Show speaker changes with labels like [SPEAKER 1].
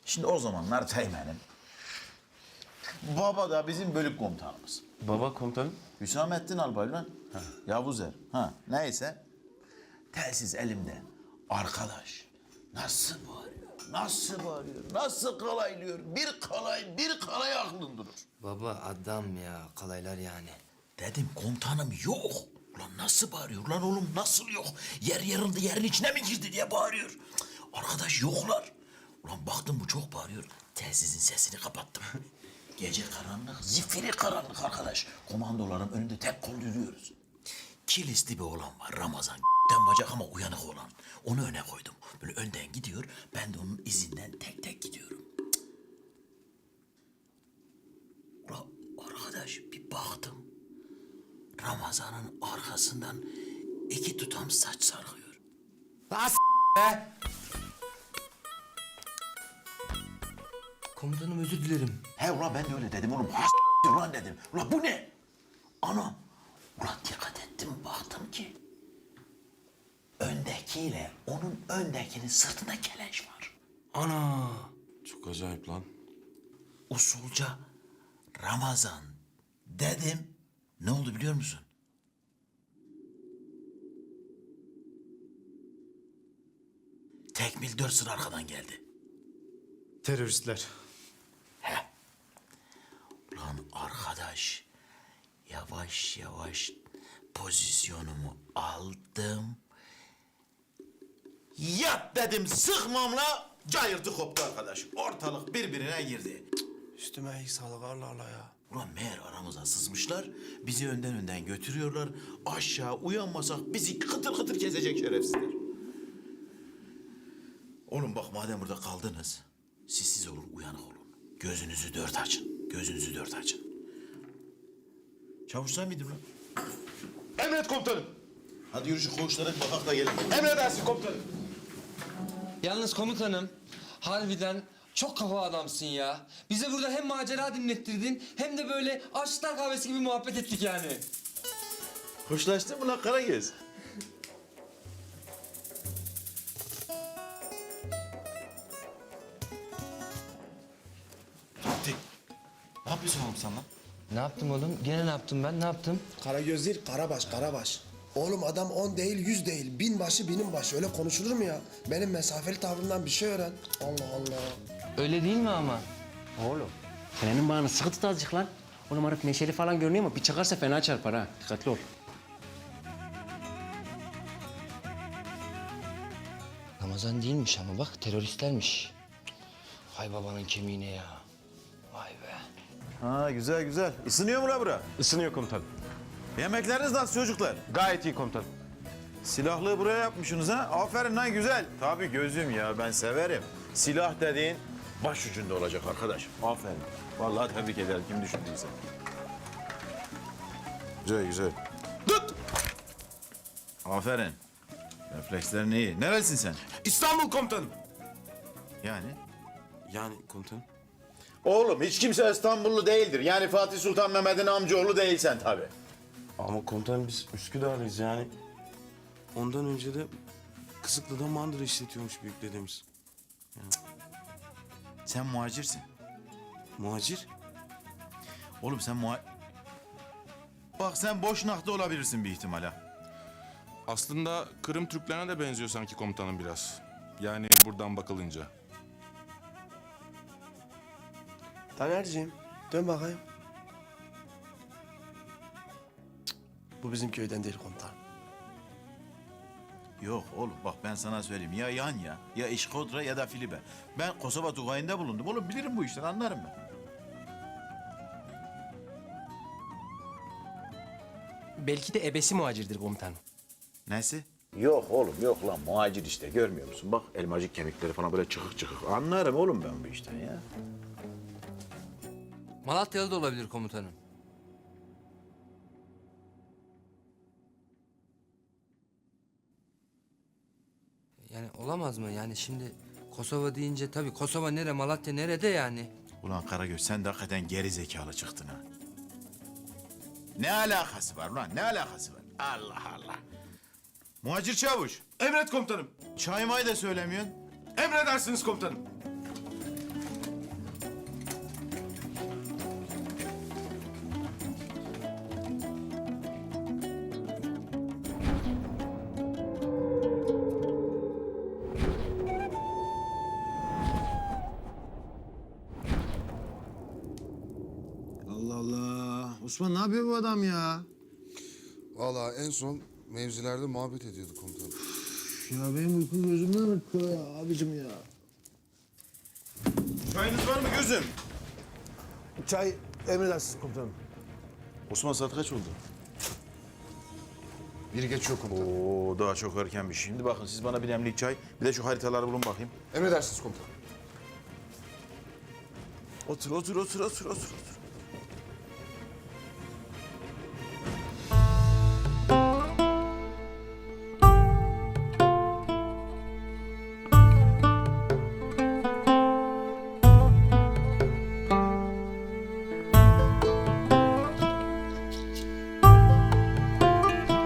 [SPEAKER 1] Şimdi o zamanlar Teğmen'im. Baba da bizim bölük komutanımız.
[SPEAKER 2] Baba komutanım.
[SPEAKER 1] Hüsamettin Albay lan. Yavuz Er. Neyse. Telsiz elimde. Arkadaş nasıl bağırıyor, nasıl bağırıyor, nasıl kalaylıyor. Bir kalay aklın durur.
[SPEAKER 3] Baba adam ya, kalaylar yani.
[SPEAKER 1] Dedim komutanım yok. Ulan nasıl bağırıyor lan oğlum nasıl yok? Yer yarıldı yerin içine mi girdi diye bağırıyor. Cık, arkadaş yoklar. Ulan baktım bu çok bağırıyor. Telsizin sesini kapattım. Gece karanlık, zifiri karanlık arkadaş. Komandoların önünde tek kol yürüyoruz. Kilisli bir oğlan var Ramazan. Bacak ama uyanık olan. Onu öne koydum. Böyle önden gidiyor. Ben de onun izinden tek tek gidiyorum. Cık. Ulan arkadaş bir baktım. Ramazan'ın arkasından 2 tutam saç sarkıyor.
[SPEAKER 3] As be! Komutanım özür dilerim.
[SPEAKER 1] He ulan ben de öyle dedim oğlum. Ulan dedim. Ulan bu ne? Anam. Ulan dikkat ettim baktım ki öndekiyle onun öndekinin sırtında keleş var.
[SPEAKER 3] Ana!
[SPEAKER 2] Çok acayip lan.
[SPEAKER 1] Usulca Ramazan dedim. Ne oldu biliyor musun? Tekmil 4 sıra arkadan geldi.
[SPEAKER 2] Teröristler.
[SPEAKER 1] Lan arkadaş yavaş yavaş pozisyonumu aldım. Yat dedim sıkmamla cayırtı koptu arkadaş. Ortalık birbirine girdi.
[SPEAKER 4] Üstüme iyi sağlık Allah Allah ya.
[SPEAKER 1] Ulan meğer aramıza sızmışlar. Bizi önden götürüyorlar. Aşağı uyanmasak bizi kıtır kıtır kesecek şerefsizler. Oğlum bak madem burada kaldınız. Siz olun uyanık olun. Gözünüzü dört açın. Gözünüzü dört açın. Çavuş sen miydin lan?
[SPEAKER 2] Emret komutanım.
[SPEAKER 1] Hadi yürü şu koğuşlara bakak da gelin.
[SPEAKER 2] Emredersin komutanım.
[SPEAKER 3] Yalnız komutanım, harbiden çok kafa adamsın ya. Bize burada hem macera dinlettirdin hem de böyle aşklar kahvesi gibi muhabbet ettik yani.
[SPEAKER 1] Hoşlaştın mı lan Karagöz? Fatih. Ne yapıyorsun oğlum sen lan?
[SPEAKER 3] Ne yaptım oğlum? Gene ne yaptım ben? Ne yaptım?
[SPEAKER 4] Karagöz değil, Karabaş, Karabaş. Oğlum adam 10 değil, 100 değil. Binbaşı, bininbaşı. Öyle konuşulur mu ya? Benim mesafeli tavrımdan bir şey öğren. Allah Allah.
[SPEAKER 3] Öyle değil mi ama?
[SPEAKER 5] Oğlum, senenin bağını sıkı tut azıcık lan. Oğlum herif neşeli falan görünüyor ama bir çıkarsa fena çarpar ha. Dikkatli ol.
[SPEAKER 3] Ramazan değilmiş ama bak teröristlermiş. Hay babanın kemiğine ya. Vay be.
[SPEAKER 1] Ha güzel güzel. Isınıyor mu la bura?
[SPEAKER 2] Isınıyor komutanım.
[SPEAKER 1] Yemekleriniz nasıl çocuklar?
[SPEAKER 2] Gayet iyi komutanım.
[SPEAKER 1] Silahlığı buraya yapmışsınız ha? Aferin lan güzel. Tabii gözüm ya ben severim. Silah dediğin baş ucunda olacak arkadaş. Aferin. Vallahi tebrik ederim kim düşündüyse. Güzel güzel. Tut! Aferin. Reflekslerin iyi. Nerelisin sen?
[SPEAKER 2] İstanbul komutanım.
[SPEAKER 1] Yani?
[SPEAKER 2] Yani komutanım.
[SPEAKER 1] Oğlum hiç kimse İstanbullu değildir. Yani Fatih Sultan Mehmet'in amcaoğlu değilsen tabii.
[SPEAKER 2] Ama komutanım biz Üsküdar'lıyız yani. Ondan önce de Kısıklı'da mandıra işletiyormuş büyük dedemiz.
[SPEAKER 1] Sen muhacirsin.
[SPEAKER 2] Muhacir.
[SPEAKER 1] Oğlum sen Bak sen Boşnak'ta olabilirsin bir ihtimal ha.
[SPEAKER 6] Aslında Kırım Türklerine de benziyor sanki komutanım biraz. Yani buradan bakılınca.
[SPEAKER 4] Tanerciğim, dön bakayım. Cık, bu bizim köyden değil komutan.
[SPEAKER 1] Yok oğlum bak ben sana söyleyeyim. Ya Yanya, ya İşkodra ya da Filibe. Ben Kosova Tugayı'nda bulundum. Oğlum bilirim bu işleri anlarım ben.
[SPEAKER 5] Belki de ebesi muhacirdir komutanım.
[SPEAKER 1] Nesi? Yok oğlum yok lan muhacir işte görmüyor musun? Bak elmacık kemikleri falan böyle çıkık çıkık. Anlarım oğlum ben bu işten ya.
[SPEAKER 3] Malatyalı da olabilir komutanım. Yani olamaz mı? Yani şimdi Kosova deyince tabii Kosova nere, Malatya nerede yani?
[SPEAKER 1] Ulan Karagöz sen de hakikaten geri zekalı çıktın ha. Ne alakası var ulan ne alakası var? Allah Allah. Muhacir çavuş.
[SPEAKER 2] Emret komutanım.
[SPEAKER 1] Çay may da söylemiyorsun.
[SPEAKER 2] Emredersiniz komutanım.
[SPEAKER 7] Osman ne yapıyor bu adam ya?
[SPEAKER 8] Vallahi en son mevzilerde muhabbet ediyorduk komutanım.
[SPEAKER 7] Ya benim uyku gözümden akıyor ya abicim ya.
[SPEAKER 9] Çayınız var mı gözüm?
[SPEAKER 7] Çay emredersiniz komutanım.
[SPEAKER 9] Osman saat kaç oldu?
[SPEAKER 8] Biri geçiyor komutanım.
[SPEAKER 9] Oo daha çok erkenmiş. Şimdi bakın siz bana bir demlik çay, bir de şu haritaları bulun bakayım.
[SPEAKER 8] Emredersiniz komutanım.
[SPEAKER 9] Otur.